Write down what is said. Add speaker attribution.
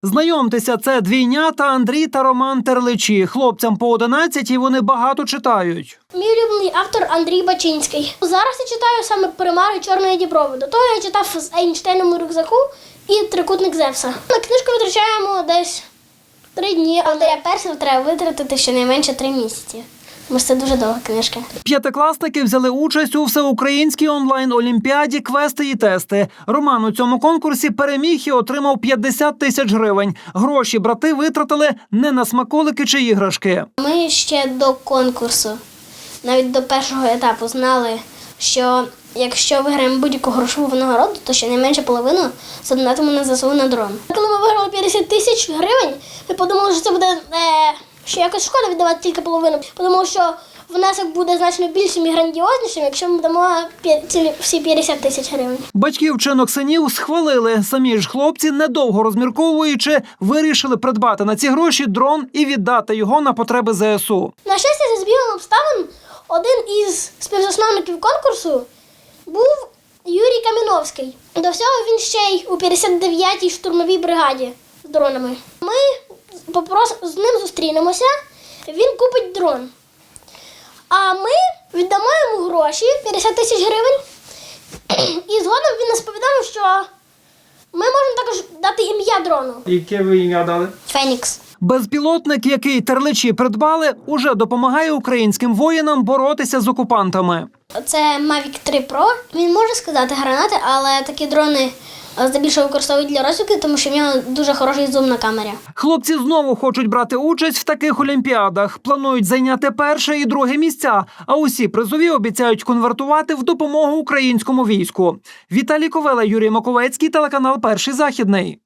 Speaker 1: Знайомтеся, це двійнята Андрій та Роман Терличі. Хлопцям по 11 і вони багато читають.
Speaker 2: Мій улюблений автор Андрій Бачинський. Зараз я читаю саме «Примари Чорної Діброви». До того я читав «З Ейнштейном у рюкзаку» і «Трикутник Зевса». На книжку витрачаємо десь 3 дні, але для першого треба витратити щонайменше 3 місяці. Тому що це дуже довга книжка.
Speaker 1: П'ятикласники взяли участь у всеукраїнській онлайн-олімпіаді «Квести і тести». Роман у цьому конкурсі переміг і отримав 50 тисяч гривень. Гроші брати витратили не на смаколики чи іграшки.
Speaker 2: Ми ще до конкурсу, навіть до першого етапу, знали, що якщо виграємо будь-яку грошову винагороду, то щонайменше половину задонатимо на ЗСУ на дрон. Коли ми виграли 50 тисяч гривень, ми подумали, що це буде що якось шкода віддавати тільки половину. Подумали, що внесок буде значно більшим і грандіознішим, якщо ми дамо всі 50 тисяч гривень.
Speaker 1: Батьки вчинок синів схвалили. Самі ж хлопці, недовго розмірковуючи, вирішили придбати на ці гроші дрон і віддати його на потреби ЗСУ.
Speaker 2: На щастя, за збігом обставин, один із співзасновників конкурсу був Юрій Каміновський. До всього він ще й у 59-й штурмовій бригаді з дронами. Ми з ним зустрінемося, він купить дрон. А ми віддамо йому гроші, 50 тисяч гривень, і згодом він нас повідомив, що ми можемо також дати ім'я дрону.
Speaker 1: Яке ви ім'я дали?
Speaker 2: Фенікс.
Speaker 1: Безпілотник, який Терличі придбали, уже допомагає українським воїнам боротися з окупантами.
Speaker 2: Це Mavic 3 Pro. Він може скидати гранати, але такі дрони здебільшого використовують для розвідки, тому що в нього дуже хороший зум на камері.
Speaker 1: Хлопці знову хочуть брати участь в таких олімпіадах. Планують зайняти перше і друге місця, а усі призові обіцяють конвертувати в допомогу українському війську. Віталій Ковела, Юрій Маковецький, телеканал «Перший Західний».